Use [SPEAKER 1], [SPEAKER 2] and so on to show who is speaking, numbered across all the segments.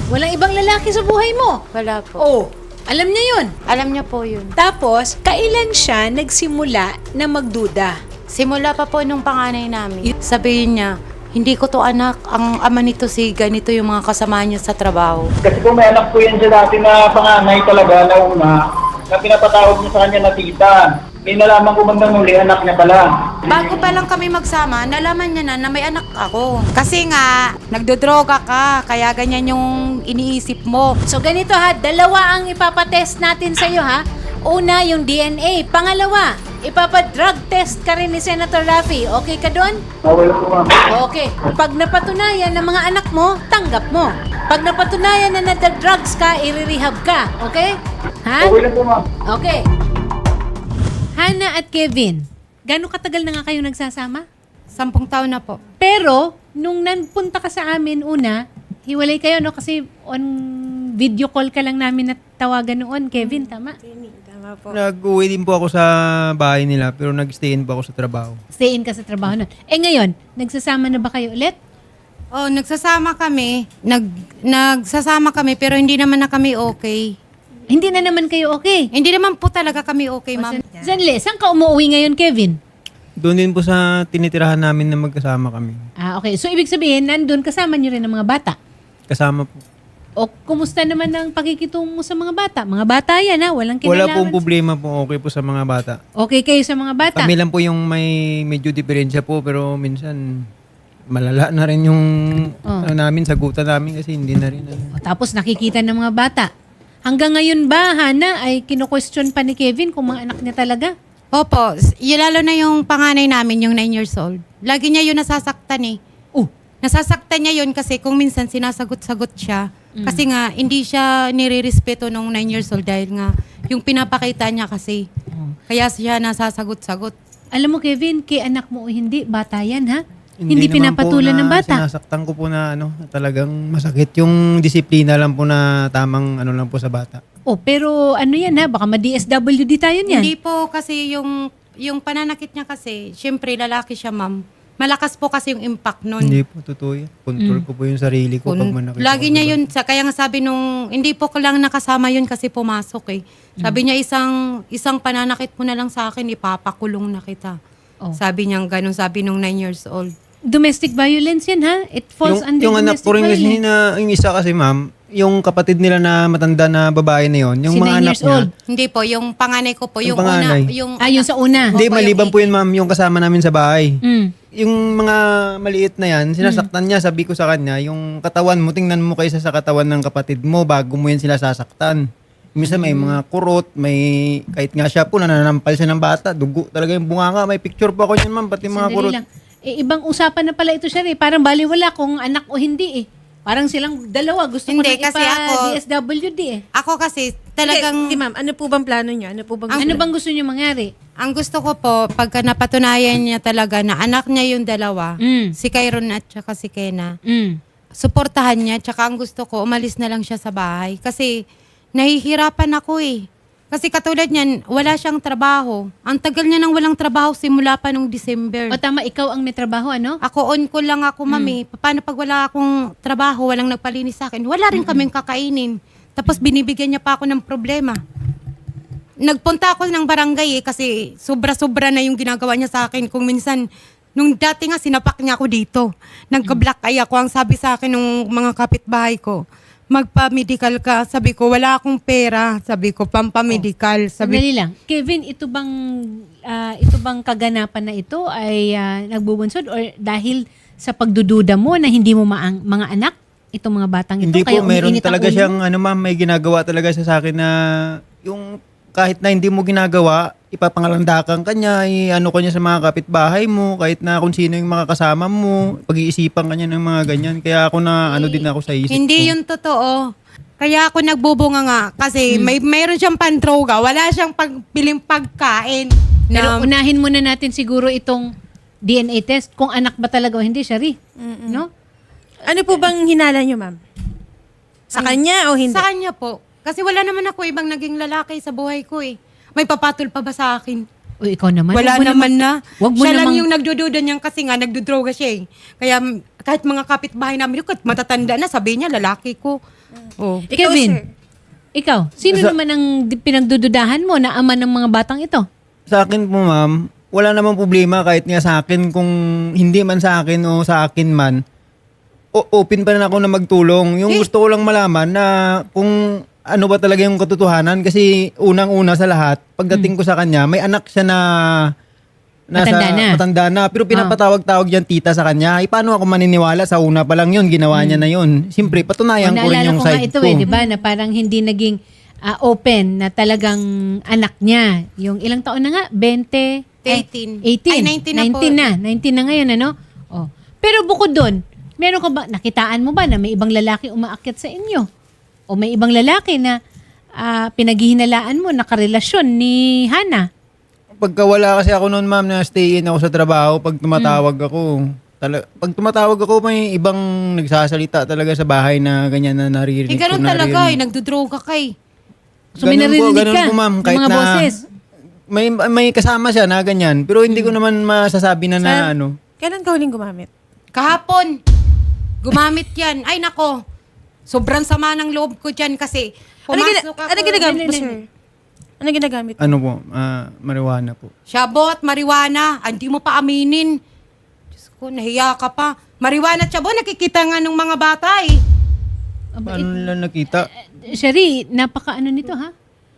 [SPEAKER 1] Walang ibang lalaki sa buhay mo.
[SPEAKER 2] Wala po.
[SPEAKER 1] Oh, alam niya yun.
[SPEAKER 2] Alam niya po yun.
[SPEAKER 1] Tapos, kailan siya nagsimula na magduda?
[SPEAKER 2] Simula pa po nung panganay namin. Sabihin niya, hindi ko to anak. Ang ama nito si ganito yung mga kasama niya sa trabaho.
[SPEAKER 3] Kasi kung may anak po yan siya dati na panganay talaga na una, na pinapatawag niya sa kanya na tita. May nalaman ko bandang huli, anak niya pala.
[SPEAKER 2] Bago pa lang kami magsama, nalaman niya na may anak ako. Kasi nga, nagdodroga ka, kaya ganyan yung iniisip mo.
[SPEAKER 1] So ganito ha, dalawa ang ipapatest natin sa'yo ha. Una, yung DNA. Pangalawa, ipapadrug test ka rin ni Senator Raffy. Okay ka doon?
[SPEAKER 3] Okay lang po, ma'am.
[SPEAKER 1] Okay. Pag napatunayan ng mga anak mo, tanggap mo. Pag napatunayan na nagda-drugs ka, i-rehab ka. Okay? Ha?
[SPEAKER 3] Okay lang po, ma'am.
[SPEAKER 1] Okay. Hannah at Kevin, gaano katagal na nga kayo nagsasama?
[SPEAKER 2] 10 taon na po.
[SPEAKER 1] Pero, nung nanpunta ka sa amin una, hiwalay kayo, no? Kasi on video call ka lang namin natawagan noon, Kevin, tama?
[SPEAKER 2] Tama po.
[SPEAKER 4] Nag-uwi din po ako sa bahay nila pero nag-stay-in po ako sa trabaho.
[SPEAKER 1] Stay in ka sa trabaho nun. Eh ngayon, nagsasama na ba kayo ulit?
[SPEAKER 2] Oh, nagsasama kami. Nagsasama kami pero hindi naman na kami okay.
[SPEAKER 1] Hindi na naman kayo okay.
[SPEAKER 2] Hindi naman po talaga kami okay, ma'am.
[SPEAKER 1] Zanle, saan ka umuwi ngayon, Kevin?
[SPEAKER 4] Doon din po sa tinitirahan namin na magkasama kami.
[SPEAKER 1] Ah, okay. So, ibig sabihin, nandun kasama niyo rin ang mga bata.
[SPEAKER 4] Kasama po.
[SPEAKER 1] O, kumusta naman ang pakikitungo mo sa mga bata? Mga bata yan, ha? Walang
[SPEAKER 4] Wala
[SPEAKER 1] kinalaman.
[SPEAKER 4] pong problema po, okay po sa mga bata.
[SPEAKER 1] Okay kayo sa mga bata?
[SPEAKER 4] Kami lang po yung may medyo diferensya po pero minsan malala na rin yung ano namin, sagutan namin kasi hindi na rin.
[SPEAKER 1] O, tapos nakikita ng mga bata. Hanggang ngayon ba, Hana, ay kino-question pa ni Kevin kung mga anak niya talaga?
[SPEAKER 2] Opo, lalo na yung panganay namin, yung 9 years old. Lagi niya yun nasasaktan eh. Nasasaktan niya yun kasi kung minsan sinasagot-sagot siya. Kasi nga, hindi siya nire-respeto nung 9 years old dahil nga yung pinapakita niya kasi. Kaya siya nasasagot-sagot.
[SPEAKER 1] Alam mo, Kevin, kay anak mo o hindi, bata yan, ha? Hindi
[SPEAKER 4] naman
[SPEAKER 1] pinapatulan
[SPEAKER 4] po na
[SPEAKER 1] ng bata.
[SPEAKER 4] Sinasaktan ko po na talagang masakit yung disiplina lang po na tamang ano lang po sa bata.
[SPEAKER 1] Oh, pero ano yan, ha? Baka ma-DSWD tayo niyan.
[SPEAKER 2] Hindi po kasi yung pananakit niya kasi, syempre lalaki siya, ma'am. Malakas po kasi yung impact nun.
[SPEAKER 4] Hindi po totoo yan. Control ko po yung sarili ko pag manakit
[SPEAKER 2] Lagi
[SPEAKER 4] ako
[SPEAKER 2] niya
[SPEAKER 4] sa
[SPEAKER 2] yun, kaya nga sabi nung, hindi po ko lang nakasama yun kasi pumasok eh. Sabi niya, isang pananakit mo na lang sa akin, ipapakulong na kita.
[SPEAKER 1] Oh.
[SPEAKER 2] Sabi niya ganun, sabi nung 9 years old.
[SPEAKER 1] Domestic violence yan, ha? It falls under
[SPEAKER 4] yung anak
[SPEAKER 1] domestic
[SPEAKER 4] ko rin kasi
[SPEAKER 1] violence.
[SPEAKER 4] yung isa kasi ma'am, yung kapatid nila na matanda na babae na yon, yung
[SPEAKER 1] Si 9
[SPEAKER 4] mga anak
[SPEAKER 1] years
[SPEAKER 4] niya.
[SPEAKER 1] old.
[SPEAKER 2] Hindi po, yung panganay ko po,
[SPEAKER 4] Yung
[SPEAKER 2] yung una,
[SPEAKER 4] panganay.
[SPEAKER 2] yung...
[SPEAKER 1] Yung sa una.
[SPEAKER 4] Hindi,
[SPEAKER 2] Opo,
[SPEAKER 4] maliban
[SPEAKER 2] yung
[SPEAKER 4] po yun ma'am, yung kasama namin sa bahay.
[SPEAKER 1] Mm.
[SPEAKER 4] Yung mga maliit na yan, sinasaktan niya, sabi ko sa kanya, yung katawan mo, tingnan mo kaysa sa katawan ng kapatid mo bago mo yan sila sasaktan. Minsan may mga kurot, may, kahit nga siya po, nananampal siya ng bata, dugo talaga yung bunganga, may picture pa ako niyan ma'am, pati mga
[SPEAKER 1] Sandali
[SPEAKER 4] kurot.
[SPEAKER 1] lang. Eh, ibang usapan na pala ito, siya eh. Parang baliwala kung anak o hindi eh. Parang silang dalawa. Gusto ko
[SPEAKER 2] Hindi,
[SPEAKER 1] nang
[SPEAKER 2] kasi ako-
[SPEAKER 1] DSWD eh.
[SPEAKER 2] Ako kasi, talagang...
[SPEAKER 5] Hindi, ma'am. Ano po bang plano niyo? Ano po bang
[SPEAKER 1] Ano bang gusto niyo mangyari?
[SPEAKER 2] Ang gusto ko po, pagka napatunayan niya talaga na anak niya yung dalawa,
[SPEAKER 1] Mm.
[SPEAKER 2] si Kyron at saka si Kena,
[SPEAKER 1] Mm.
[SPEAKER 2] suportahan niya, tsaka ang gusto ko, umalis na lang siya sa bahay. Kasi nahihirapan ako eh. Kasi katulad niyan, wala siyang trabaho. Ang tagal niya nang walang trabaho simula pa nung December.
[SPEAKER 1] O tama, ikaw ang may trabaho, ano?
[SPEAKER 2] Ako on ko lang ako, mami. Paano pag wala akong trabaho, walang nagpalinis sa akin? Wala rin kaming kakainin. Tapos binibigyan niya pa ako ng problema. Nagpunta ako ng barangay eh, kasi sobra-sobra na yung ginagawa niya sa akin. Kung minsan, nung dati nga sinapak niya ako dito. Nagka-black eye ako. Ang sabi sa akin ng mga kapitbahay ko, magpa-medical ka. Sabi ko, wala akong pera. Sabi ko, pampamedical.
[SPEAKER 1] Sandali lang. Kevin, ito bang kaganapan na ito ay nagbubunsod or dahil sa pagdududa mo na hindi mo mga anak? Itong mga batang ito?
[SPEAKER 4] Hindi
[SPEAKER 1] Kaya
[SPEAKER 4] po, meron
[SPEAKER 1] umiinit ang
[SPEAKER 4] talaga
[SPEAKER 1] ulo mo?
[SPEAKER 4] siyang, ano ma'am, may ginagawa talaga siya sa akin na yung kahit na hindi mo ginagawa, ipapangalandakan ka niya, ano ka niya sa mga kapitbahay mo, kahit na kung sino yung mga kasama mo, pag-iisipan ka niya ng mga ganyan. Kaya ako na, ano din ako sa isip ko.
[SPEAKER 2] Hindi yun totoo. Kaya ako nagbubunga nga kasi mayroon siyang pandroga, wala siyang pagbiling pagkain.
[SPEAKER 1] Pero unahin muna natin siguro itong DNA test kung anak ba talaga o hindi, Shari. No?
[SPEAKER 5] Ano po bang hinala niyo, ma'am? Sa kanya o hindi?
[SPEAKER 2] Sa kanya po. Kasi wala naman ako ibang naging lalaki sa buhay ko eh. May papatol pa ba sa akin?
[SPEAKER 1] O ikaw naman.
[SPEAKER 2] Wala
[SPEAKER 1] wag mo
[SPEAKER 2] naman na.
[SPEAKER 1] Wag mo
[SPEAKER 2] Siya lang
[SPEAKER 1] namang-
[SPEAKER 2] yung nagdududa niyan kasi nga nagdudroga siya eh. Kaya kahit mga kapitbahay namin, kahit matatanda na, sabi niya, lalaki ko. Oh.
[SPEAKER 5] Ikaw,
[SPEAKER 1] Kevin,
[SPEAKER 5] sir.
[SPEAKER 1] ikaw, sino naman ang pinagdududahan mo na ama ng mga batang ito?
[SPEAKER 4] Sa akin po, ma'am, wala namang problema kahit nga sa akin kung hindi man sa akin o sa akin man. Open pa rin ako na magtulong. Yung gusto ko lang malaman na kung ano ba talaga yung katotohanan kasi unang-una sa lahat, pagdating ko sa kanya, may anak siya na matanda na. Pero pinapatawag-tawag yan tita sa kanya. Paano ako maniniwala sa una pa lang yun, ginawa niya na yun. Siyempre, patunayan ko rin
[SPEAKER 1] Naalala
[SPEAKER 4] yung
[SPEAKER 1] ko nga
[SPEAKER 4] side
[SPEAKER 1] ito
[SPEAKER 4] ko.
[SPEAKER 1] di ba, na parang hindi naging open na talagang anak niya. Yung ilang taon na nga? 20?
[SPEAKER 2] 18.
[SPEAKER 1] 18.
[SPEAKER 2] Ay, 19 na po.
[SPEAKER 1] 19 na ngayon, ano? Oh. Pero bukod doon, meron ka ba, nakitaan mo ba na may ibang lalaki umaakyat sa inyo? O may ibang lalaki na pinaghihinalaan mo, nakarelasyon ni Hana?
[SPEAKER 4] Pagka wala kasi ako noon, ma'am, na stay in ako sa trabaho, pag tumatawag ako, pag tumatawag ako, may ibang nagsasalita talaga sa bahay na ganyan na naririnig
[SPEAKER 2] Eh, ganun
[SPEAKER 4] ko.
[SPEAKER 2] talaga eh. Nagdudroga ka eh.
[SPEAKER 1] So may narinig
[SPEAKER 4] ganun
[SPEAKER 1] ka
[SPEAKER 4] po, ma'am,
[SPEAKER 1] ng
[SPEAKER 4] kahit
[SPEAKER 1] mga
[SPEAKER 4] na
[SPEAKER 1] boses?
[SPEAKER 4] may kasama siya na ganyan. Pero hindi ko naman masasabi na
[SPEAKER 5] Sir,
[SPEAKER 4] ano.
[SPEAKER 5] Kailan ka huling gumamit?
[SPEAKER 2] Kahapon, gumamit yan. Ay nako, sobrang sama ng loob ko dyan kasi pumasok ako.
[SPEAKER 5] Ano ginagamit mo, sir? Ano ginagamit mo?
[SPEAKER 4] Ano po, marijuana po.
[SPEAKER 2] Shabot, marijuana, hindi mo pa aminin. Diyos ko, nahiya ka pa. Marijuana at shabot, nakikita nga ng mga bata eh.
[SPEAKER 4] Paano nila nakita?
[SPEAKER 1] Sherry, napaka ano nito ha?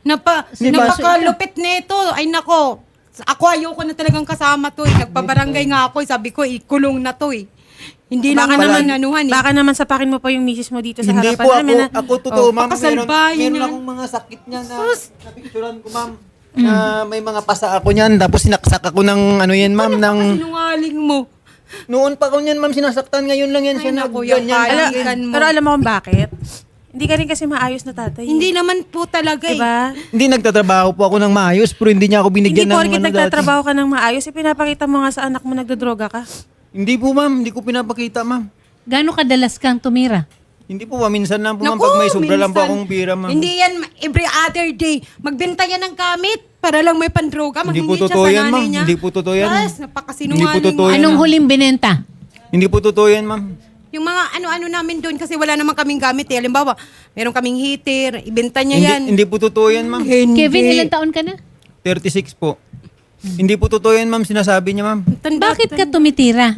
[SPEAKER 2] Napakalupit nito. Ay nako, ako ayoko na talagang kasama to eh. Nagpabarangay nga ako eh. Sabi ko, ikulong na to eh. Hindi lang naman nanuhan eh.
[SPEAKER 5] Baka naman sapakin mo pa yung misis mo dito sa
[SPEAKER 4] Hindi
[SPEAKER 5] harapan
[SPEAKER 4] po
[SPEAKER 5] namin.
[SPEAKER 4] ako totoo, ma'am.
[SPEAKER 2] pakasalbahin
[SPEAKER 4] Meron
[SPEAKER 2] yan.
[SPEAKER 4] akong mga sakit niya na napicturan ko, ma'am. Na may mga pasa ako niyan. Tapos sinaksak ako ng ano yan, ma'am, ng...
[SPEAKER 2] Sinungaling mo.
[SPEAKER 4] Noon pa ko niyan, ma'am, sinasaktan. Ngayon lang yan siya
[SPEAKER 2] Ay,
[SPEAKER 4] na
[SPEAKER 2] naku, yung
[SPEAKER 4] ganyan.
[SPEAKER 2] kaligan mo.
[SPEAKER 5] Pero alam mo kung bakit? Hindi ka rin kasi maayos na tatay.
[SPEAKER 2] Hindi naman po talaga eh.
[SPEAKER 5] Diba?
[SPEAKER 4] Hindi nagtatrabaho po ako ng maayos, pero hindi niya ako binigyan
[SPEAKER 5] Hindi
[SPEAKER 4] ng
[SPEAKER 5] porkit
[SPEAKER 4] ano
[SPEAKER 5] nagtatrabaho ka ng maayos, ipinapakita mo nga sa anak mo nagdodroga ka.
[SPEAKER 4] Hindi po, ma'am. Hindi ko pinapakita, ma'am.
[SPEAKER 1] Gano'ng kadalas kang tumira?
[SPEAKER 4] Hindi po, minsan lang po, ma'am.
[SPEAKER 2] Naku,
[SPEAKER 4] Pag may sobra lang po
[SPEAKER 2] minsan.
[SPEAKER 4] akong pira, ma'am.
[SPEAKER 2] Hindi yan every other day. Magbenta yan ng gamit para lang may pandroga.
[SPEAKER 4] Hindi po
[SPEAKER 2] Manghingi siya
[SPEAKER 4] totoo
[SPEAKER 2] sa
[SPEAKER 4] yan,
[SPEAKER 2] nanay
[SPEAKER 4] ma'am.
[SPEAKER 2] niya.
[SPEAKER 4] Hindi po totoo yan.
[SPEAKER 2] Yes, napakasinungaling
[SPEAKER 4] Hindi po totoo
[SPEAKER 2] mo.
[SPEAKER 4] yan.
[SPEAKER 1] Anong huling binenta?
[SPEAKER 4] Hindi po totoo yan, ma'am.
[SPEAKER 2] Yung mga ano-ano namin doon kasi wala naman kaming gamit eh. Halimbawa, meron kaming heater, ibenta niya yan.
[SPEAKER 4] Hindi po totoo yan, ma'am.
[SPEAKER 1] Kevin, ilang taon ka na?
[SPEAKER 4] 36 po. Hindi po totoo yan, ma'am. Sinasabi niya, ma'am.
[SPEAKER 1] Bakit ka tumitira?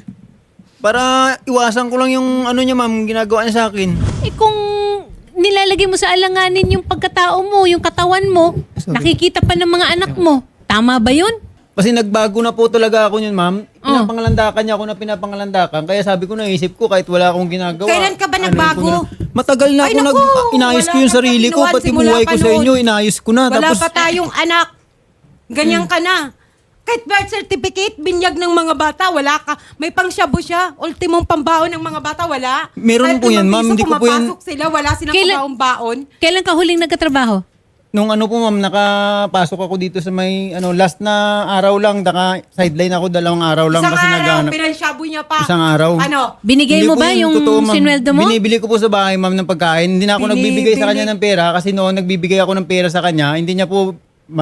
[SPEAKER 4] Para iwasan ko lang yung ano niya, ma'am. Ginagawa niya sa akin.
[SPEAKER 1] Eh kung nilalagay mo sa alanganin yung pagkatao mo, yung katawan mo, nakikita pa ng mga anak mo. Tama ba yun?
[SPEAKER 4] Kasi nagbago na po talaga ako yun, ma'am. Pinapangalandakan niya ako na pinapangalandakan. Kaya sabi ko, naisip ko, kahit wala akong ginagawa.
[SPEAKER 2] Kailan ka ba
[SPEAKER 4] ano
[SPEAKER 2] nagbago?
[SPEAKER 4] ko na- Matagal na
[SPEAKER 2] Ay,
[SPEAKER 4] ako
[SPEAKER 2] naku,
[SPEAKER 4] inayos ko
[SPEAKER 2] wala
[SPEAKER 4] yung
[SPEAKER 2] ka
[SPEAKER 4] sarili ko,
[SPEAKER 2] kapinuan,
[SPEAKER 4] pati
[SPEAKER 2] simula
[SPEAKER 4] buhay
[SPEAKER 2] pa
[SPEAKER 4] ko sa
[SPEAKER 2] noon.
[SPEAKER 4] inyo, inayos ko na.
[SPEAKER 2] Wala
[SPEAKER 4] Tapos,
[SPEAKER 2] pa tayong anak. Ganyan ka na. Kahit birth certificate, binyag ng mga bata, wala ka. May pangsyabo siya. Ultimong pambaon ng mga bata, wala.
[SPEAKER 4] Meron
[SPEAKER 2] Kahit
[SPEAKER 4] po yan,
[SPEAKER 2] 5
[SPEAKER 4] ma'am.
[SPEAKER 2] piso,
[SPEAKER 4] Hindi ko po yan-
[SPEAKER 2] pumapasok sila, wala silang
[SPEAKER 1] Kailan-
[SPEAKER 2] pambaon-baon.
[SPEAKER 1] Kailan ka huling nagkatrabaho?
[SPEAKER 4] nung ano po, ma'am, nakapasok ako dito sa may, last na araw lang, sideline ako 2 araw lang
[SPEAKER 2] Isang
[SPEAKER 4] kasi
[SPEAKER 2] araw,
[SPEAKER 4] naghanap.
[SPEAKER 2] pinansyabo niya pa.
[SPEAKER 4] Isang araw.
[SPEAKER 2] Ano?
[SPEAKER 1] Binigay
[SPEAKER 4] Hindi
[SPEAKER 1] mo
[SPEAKER 4] po
[SPEAKER 1] ba
[SPEAKER 4] yun
[SPEAKER 1] yung
[SPEAKER 4] totoo, ma'am.
[SPEAKER 1] sinweldo mo?
[SPEAKER 4] Binibili ko po sa bahay, ma'am, ng pagkain. Hindi na ako nagbibigay sa kanya ng pera kasi noon nagbibigay ako ng pera sa kanya. Hindi niya po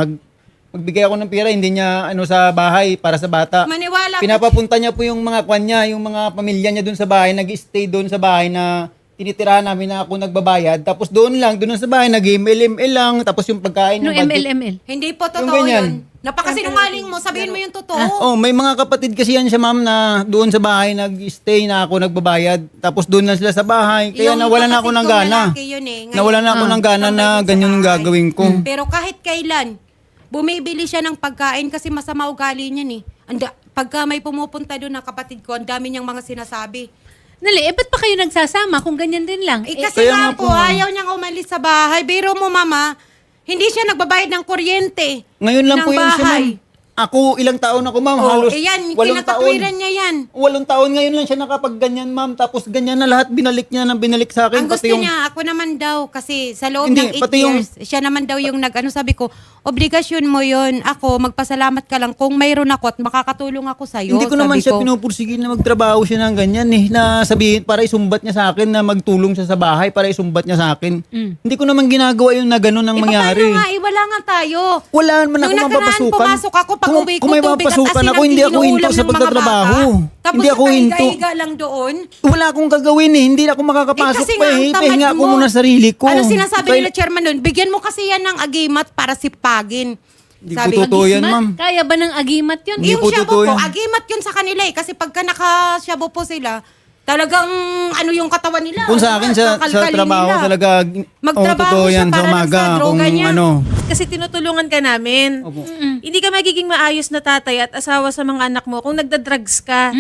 [SPEAKER 4] magbigay ako ng pera, hindi niya sa bahay para sa bata.
[SPEAKER 2] Maniwala ka.
[SPEAKER 4] Pinapapunta niya po yung mga kwan niya, yung mga pamilya niya doon sa bahay, nag-stay doon sa bahay na tinitirahan namin na ako nagbabayad. Tapos doon sa bahay, nag-ML lang. Tapos yung pagkain.
[SPEAKER 1] No,
[SPEAKER 4] yung budget.
[SPEAKER 1] ML.
[SPEAKER 2] Hindi po
[SPEAKER 4] Yung
[SPEAKER 2] totoo
[SPEAKER 4] ganyan.
[SPEAKER 2] yun. Napakasinungaling mo. Sabihin mo yung totoo.
[SPEAKER 4] Oh, may mga kapatid kasi yan siya, ma'am, na doon sa bahay nag-stay na ako nagbabayad. Tapos doon na sila sa bahay. Kaya
[SPEAKER 2] Yung
[SPEAKER 4] nawalan na ako
[SPEAKER 2] kapatid
[SPEAKER 4] ng
[SPEAKER 2] kong
[SPEAKER 4] gana.
[SPEAKER 2] lalaki yun eh. Ngayon,
[SPEAKER 4] Nawalan na ako ng gana na ganyan yung gagawin ko.
[SPEAKER 2] Pero kahit kailan, bumibili siya ng pagkain kasi masama ugali niyan eh. Pagka may pumupunta doon na kapatid ko, ang dami niyang mga sinasabi.
[SPEAKER 1] Nali, ba't pa kayo nagsasama kung ganyan din lang?
[SPEAKER 2] Eh kasi
[SPEAKER 4] kaya
[SPEAKER 2] nga
[SPEAKER 4] nga
[SPEAKER 2] po,
[SPEAKER 4] po,
[SPEAKER 2] ayaw niyang umalis sa bahay. Biro mo, mama, hindi siya nagbabayad ng kuryente.
[SPEAKER 4] Ngayon lang
[SPEAKER 2] ng
[SPEAKER 4] po yun siya,
[SPEAKER 2] bahay.
[SPEAKER 4] ma'am. Ako, ilang taon ako, ma'am.
[SPEAKER 2] Oh,
[SPEAKER 4] Halos
[SPEAKER 2] eh yan,
[SPEAKER 4] 8 taon.
[SPEAKER 2] kinakatwiran niya yan.
[SPEAKER 4] 8 taon ngayon lang siya nakapagganyan, ma'am. Tapos ganyan na lahat, binalik niya sa akin.
[SPEAKER 2] Ang gusto niya, ako naman daw, kasi sa loob
[SPEAKER 4] Hindi,
[SPEAKER 2] ng 8
[SPEAKER 4] pati yung-
[SPEAKER 2] years, siya naman daw yung sabi ko, obligasyon mo yon. Ako, magpasalamat ka lang kung mayroon ako at makakatulong ako sa'yo.
[SPEAKER 4] Hindi ko naman
[SPEAKER 2] sabi
[SPEAKER 4] siya
[SPEAKER 2] ko.
[SPEAKER 4] pinupursigil na magtrabaho siya ng ganyan na sabihin para isumbat niya sa akin na magtulong siya sa bahay para isumbat niya sa akin. Hindi ko naman ginagawa yung na gano'n ang mangyari.
[SPEAKER 2] Paano nga, wala nga tayo.
[SPEAKER 4] Wala naman ako
[SPEAKER 2] Nung nakaraan,
[SPEAKER 4] mapapasukan.
[SPEAKER 2] pumasok ako, pag-uwi ko,
[SPEAKER 4] kung may
[SPEAKER 2] tubig at
[SPEAKER 4] mapasukan
[SPEAKER 2] asin
[SPEAKER 4] ako,
[SPEAKER 2] ang
[SPEAKER 4] hindi ako hinto
[SPEAKER 2] iniuulam
[SPEAKER 4] sa
[SPEAKER 2] ng mga
[SPEAKER 4] pagtatrabaho.
[SPEAKER 2] bata. Tapos
[SPEAKER 4] Hindi ako hinto.
[SPEAKER 2] nakahiga-higa lang doon.
[SPEAKER 4] Wala akong gagawin eh. Hindi na ako makakapasok
[SPEAKER 2] kasi
[SPEAKER 4] pa
[SPEAKER 2] nga, ang
[SPEAKER 4] eh.
[SPEAKER 2] tamad
[SPEAKER 4] Pahinga ko
[SPEAKER 2] mo.
[SPEAKER 4] muna sarili ko.
[SPEAKER 2] Ano sinasabi
[SPEAKER 4] Kaya-
[SPEAKER 2] nila chairman nun? Bigyan mo kasi yan ng agimat para sipagin.
[SPEAKER 4] Hindi po totoo yan, ma'am.
[SPEAKER 1] Kaya ba ng agimat yun?
[SPEAKER 4] Hindi
[SPEAKER 2] Yung
[SPEAKER 4] po
[SPEAKER 2] shabu
[SPEAKER 4] totoo
[SPEAKER 2] po,
[SPEAKER 4] yan.
[SPEAKER 2] agimat yun sa kanila eh. Kasi pagka naka-shabu po sila, talagang ano yung katawan nila.
[SPEAKER 4] Kung sa akin sa
[SPEAKER 2] kakalkalin
[SPEAKER 4] trabaho
[SPEAKER 2] nila.
[SPEAKER 4] talaga,
[SPEAKER 2] Magtrabaho
[SPEAKER 4] totoo
[SPEAKER 2] siya
[SPEAKER 4] yan sa
[SPEAKER 2] para lang
[SPEAKER 4] umaga.
[SPEAKER 2] sa droga
[SPEAKER 4] Kung
[SPEAKER 2] niya.
[SPEAKER 4] ano.
[SPEAKER 5] Kasi tinutulungan ka namin.
[SPEAKER 4] Opo.
[SPEAKER 5] Hindi ka magiging maayos na tatay at asawa sa mga anak mo kung nagda-drugs ka.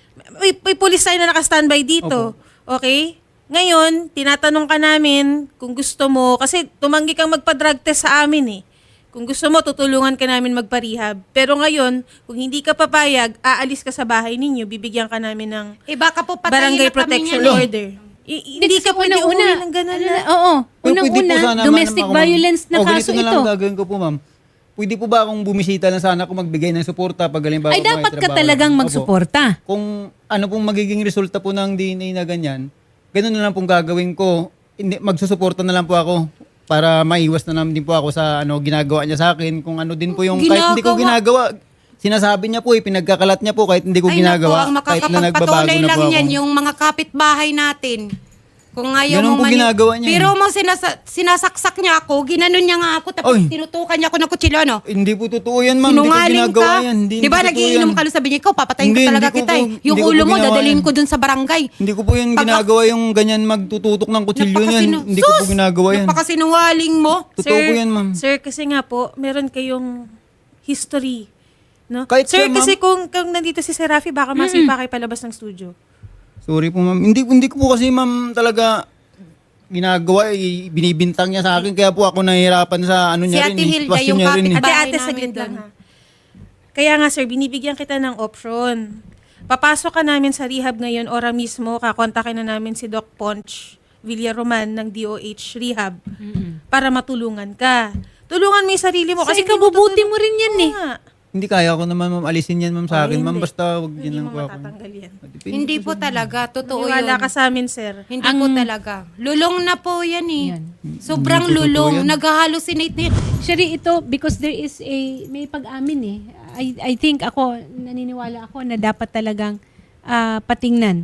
[SPEAKER 5] May pulis tayo na naka-standby dito. Okay? Ngayon, tinatanong ka namin kung gusto mo, kasi tumanggi kang magpa-drug test sa amin eh. Kung gusto mo, tutulungan ka namin magpa-rehab. Pero ngayon, kung hindi ka papayag, aalis ka sa bahay ninyo, bibigyan ka namin ng
[SPEAKER 2] Eh baka po patayin
[SPEAKER 5] barangay
[SPEAKER 2] na kami
[SPEAKER 5] protection
[SPEAKER 2] niyan eh.
[SPEAKER 5] order. Hindi ka pwede umuwi ng ganun na.
[SPEAKER 1] Oo.
[SPEAKER 4] Pero pwede po
[SPEAKER 1] Unang-una,
[SPEAKER 4] sana,
[SPEAKER 1] domestic
[SPEAKER 4] ma'am, ako,
[SPEAKER 1] violence na
[SPEAKER 4] ganito
[SPEAKER 1] kaso
[SPEAKER 4] na lang
[SPEAKER 1] ito.
[SPEAKER 4] gagawin ko po, ma'am. Pwede po ba akong bumisita na sana kung magbigay ng suporta pag halimbawa
[SPEAKER 1] Ay,
[SPEAKER 4] may
[SPEAKER 1] dapat ka
[SPEAKER 4] trabaho?
[SPEAKER 1] talagang
[SPEAKER 4] Opo.
[SPEAKER 1] magsuporta.
[SPEAKER 4] Kung ano pong magiging resulta po ng DNA na ganyan, ganun na lang pong gagawin ko. Hindi, magsusuporta na lang po ako para maiwas na lang din po ako sa ano ginagawa niya sa akin. Kung ano din po yung kahit hindi ko ginagawa, sinasabi niya po pinagkakalat niya po kahit hindi ko
[SPEAKER 2] Ay
[SPEAKER 4] ginagawa.
[SPEAKER 2] naku, ang
[SPEAKER 4] kahit na nagbabago
[SPEAKER 2] makakapagpatuloy
[SPEAKER 4] na
[SPEAKER 2] lang
[SPEAKER 4] po ako.
[SPEAKER 2] yan, yung mga kapitbahay natin. Kung ayaw
[SPEAKER 4] Ganun
[SPEAKER 2] mo
[SPEAKER 4] po ginagawa niya eh.
[SPEAKER 2] Pero mo sinasaksak niya ako, ginanon niya nga ako, tapos
[SPEAKER 4] Oy.
[SPEAKER 2] tinutukan niya ako ng kutsilyo, ano?
[SPEAKER 4] Hindi po totoo yan, ma'am. Hindi ko
[SPEAKER 2] Sinungaling
[SPEAKER 4] ginagawa
[SPEAKER 2] ka.
[SPEAKER 4] yan. Hindi
[SPEAKER 2] Di ba
[SPEAKER 4] totoo
[SPEAKER 2] nagiinom
[SPEAKER 4] yan.
[SPEAKER 2] ka, sabi niya, ikaw, papatayin
[SPEAKER 4] Hindi,
[SPEAKER 2] ko talaga
[SPEAKER 4] hindi ko
[SPEAKER 2] kita
[SPEAKER 4] po-
[SPEAKER 2] eh. Yung
[SPEAKER 4] hindi ko
[SPEAKER 2] ulo
[SPEAKER 4] po
[SPEAKER 2] mo,
[SPEAKER 4] ginawa
[SPEAKER 2] dadalhin
[SPEAKER 4] yan.
[SPEAKER 2] ko dun sa barangay.
[SPEAKER 4] Hindi ko po yan ginagawa yung ganyan magtututok ng kutsilyo niyan. Hindi ko po ginagawa yan.
[SPEAKER 2] Napakasinungaling mo.
[SPEAKER 4] Totoo po yan, ma'am.
[SPEAKER 5] Sir, kasi nga po, meron kayong history. No?
[SPEAKER 4] Kahit
[SPEAKER 5] Sir,
[SPEAKER 4] siya, ma'am.
[SPEAKER 5] kasi kung nandito si Sir Rafi, baka masipa kayo palabas ng studio.
[SPEAKER 4] Sorry po, ma'am. Hindi ko po kasi, ma'am, talaga ginagawa, binibintang niya sa akin. Kaya po ako nahihirapan sa ano
[SPEAKER 2] Si
[SPEAKER 4] niya
[SPEAKER 2] Ate
[SPEAKER 4] rin.
[SPEAKER 2] Hilda,
[SPEAKER 4] Sitwasyon
[SPEAKER 2] yung
[SPEAKER 4] niya rin.
[SPEAKER 2] kapit- Bahay
[SPEAKER 5] Ate,
[SPEAKER 2] namin
[SPEAKER 5] saglit lang
[SPEAKER 2] dun.
[SPEAKER 5] ha. Kaya nga sir, binibigyan kita ng option. Papasok ka namin sa rehab ngayon, ora mismo, kakontakin na namin si Doc Ponch Villaroman ng DOH Rehab para matulungan ka. Tulungan mo yung sarili mo.
[SPEAKER 1] Kasi
[SPEAKER 5] hindi
[SPEAKER 1] ikabubuti
[SPEAKER 5] tutulong-
[SPEAKER 1] mo rin yan eh.
[SPEAKER 5] Oo nga.
[SPEAKER 4] Hindi kaya ko naman, ma'am, alisin yan, ma'am, sa akin. Ma'am,
[SPEAKER 5] hindi.
[SPEAKER 4] basta wag yan
[SPEAKER 5] Hindi
[SPEAKER 4] lang
[SPEAKER 5] mo
[SPEAKER 4] po ako.
[SPEAKER 5] matatanggal yan.
[SPEAKER 4] Depende
[SPEAKER 2] Hindi
[SPEAKER 4] po
[SPEAKER 2] po talaga, totoo
[SPEAKER 5] Maniwala
[SPEAKER 2] yun.
[SPEAKER 5] ka sa amin, sir.
[SPEAKER 2] Hindi po talaga. Lulong na po yan eh.
[SPEAKER 1] Yan.
[SPEAKER 2] Sobrang
[SPEAKER 4] Hindi po totoo
[SPEAKER 2] lulong.
[SPEAKER 4] yan.
[SPEAKER 2] Nag-hallucinate na yan.
[SPEAKER 1] Sherry, ito, because there is may pag-amin eh. I think ako, naniniwala ako na dapat talagang patingnan.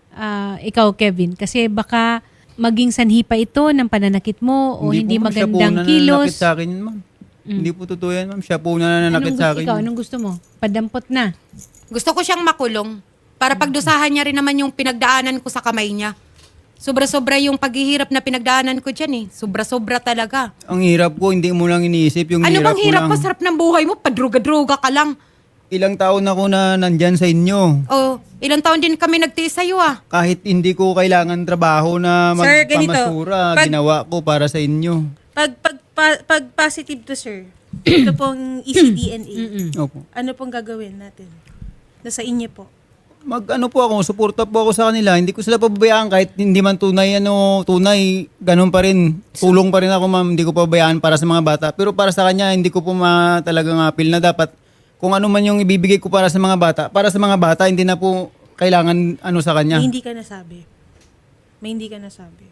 [SPEAKER 1] Ikaw, Kevin. Kasi baka maging sanhi pa ito ng pananakit mo o hindi
[SPEAKER 4] po, ma'am. Siya po
[SPEAKER 1] magandang
[SPEAKER 4] nananakit
[SPEAKER 1] kilos.
[SPEAKER 4] sa akin, yun, ma'am. Hindi po totoo yan, ma'am. Siya po nananakit sa akin.
[SPEAKER 1] Ikaw,
[SPEAKER 4] yun.
[SPEAKER 1] anong gusto mo? Padampot na.
[SPEAKER 2] Gusto ko siyang makulong. Para pagdusahan niya rin naman yung pinagdaanan ko sa kamay niya. Sobra-sobra yung paghihirap na pinagdaanan ko dyan eh. Sobra-sobra talaga.
[SPEAKER 4] Ang hirap ko, hindi mo lang iniisip yung
[SPEAKER 2] Ano
[SPEAKER 4] hirap
[SPEAKER 2] bang hirap
[SPEAKER 4] ko
[SPEAKER 2] pa?
[SPEAKER 4] lang.
[SPEAKER 2] Sarap ng buhay mo. Padruga-druga ka lang.
[SPEAKER 4] Ilang taon ako na nandyan sa inyo.
[SPEAKER 2] Oh, ilang taon din kami nagtiis sa'yo ah.
[SPEAKER 4] Kahit hindi ko kailangan trabaho na
[SPEAKER 5] Sir, ganito.
[SPEAKER 4] magpamasura,
[SPEAKER 5] Pag-
[SPEAKER 4] ginawa ko para sa inyo.
[SPEAKER 5] Pag positive to, sir, ito pong ECDNA,
[SPEAKER 4] Opo.
[SPEAKER 5] ano pong gagawin natin? Nasa inyo po.
[SPEAKER 4] Mag-ano po ako, suporta po ako sa kanila. Hindi ko sila pababayaan kahit hindi man tunay, ganun pa rin. Tulong pa rin ako, ma'am. Hindi ko pababayaan para sa mga bata. Pero para sa kanya, hindi ko po talagang appeal na dapat kung ano man yung ibibigay ko para sa mga bata. Para sa mga bata, hindi na po kailangan sa kanya.
[SPEAKER 5] May hindi ka nasabi. May hindi ka nasabi.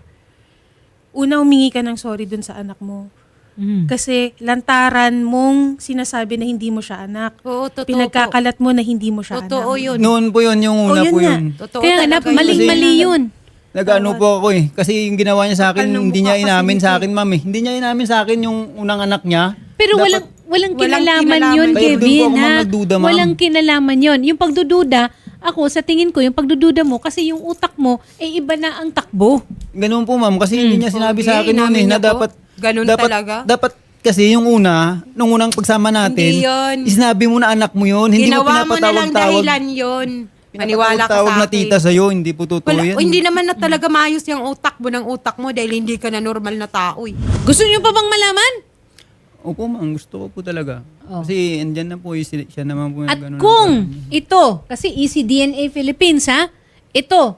[SPEAKER 5] Una, humingi ka ng sorry dun sa anak mo. Kasi lantaran mong sinasabi na hindi mo siya anak.
[SPEAKER 2] Oo, totoo
[SPEAKER 5] Pinagkakalat mo na hindi mo siya
[SPEAKER 2] Totoo
[SPEAKER 5] anak.
[SPEAKER 2] yun.
[SPEAKER 4] Noon po yun, yung una
[SPEAKER 5] yun
[SPEAKER 4] po
[SPEAKER 5] nga.
[SPEAKER 4] yun.
[SPEAKER 2] Totoo
[SPEAKER 1] Kaya nga,
[SPEAKER 2] talaga yun.
[SPEAKER 1] maling-mali yun.
[SPEAKER 4] Nag-ano po ako eh. Kasi yung ginawa niya sa akin,
[SPEAKER 5] Kapal ng
[SPEAKER 4] hindi
[SPEAKER 5] mukha
[SPEAKER 4] niya
[SPEAKER 5] kasi
[SPEAKER 4] inamin
[SPEAKER 5] nito
[SPEAKER 4] sa akin, ma'am eh. Hindi niya inamin sa akin yung unang anak niya.
[SPEAKER 1] Pero
[SPEAKER 4] Dapat-
[SPEAKER 1] walang
[SPEAKER 2] Walang
[SPEAKER 1] kinalaman
[SPEAKER 2] kinalaman.
[SPEAKER 1] yun,
[SPEAKER 4] Kaya doon po
[SPEAKER 1] Kevin.
[SPEAKER 4] ako, ma'am,
[SPEAKER 1] Ha?
[SPEAKER 4] nagduda, ma'am.
[SPEAKER 1] Walang kinalaman yun. Yung pagdududa, ako sa tingin ko, yung pagdududa mo, kasi yung utak mo, iba na ang takbo.
[SPEAKER 4] Ganun po, ma'am. Kasi hindi niya sinabi sa
[SPEAKER 2] Okay,
[SPEAKER 4] akin noon eh,
[SPEAKER 2] inamin
[SPEAKER 4] na
[SPEAKER 2] niya po.
[SPEAKER 4] dapat...
[SPEAKER 2] Ganun
[SPEAKER 4] dapat,
[SPEAKER 2] talaga?
[SPEAKER 4] Dapat kasi yung nung unang pagsama natin,
[SPEAKER 2] Hindi yun.
[SPEAKER 4] sinabi mo na anak mo yun. Hindi mo
[SPEAKER 2] Ginawa mo na lang
[SPEAKER 4] pinapatawag-tawag.
[SPEAKER 2] dahilan yun. Maniwala ka
[SPEAKER 4] Pinapatawag
[SPEAKER 2] sa
[SPEAKER 4] na
[SPEAKER 2] akin.
[SPEAKER 4] tita sa'yo, hindi po totoo
[SPEAKER 2] Wala,
[SPEAKER 4] yan.
[SPEAKER 2] hindi naman na talaga maayos yung utak mo ng utak mo dahil hindi ka na normal na tao eh.
[SPEAKER 1] Gusto niyo pa bang malaman?
[SPEAKER 4] Opo, ma'am. Gusto ko po talaga.
[SPEAKER 1] Oh.
[SPEAKER 4] Kasi andyan na po, siya naman po. yung
[SPEAKER 1] At
[SPEAKER 4] ganun.
[SPEAKER 1] kung ito, kasi ECDNA Philippines ha, ito,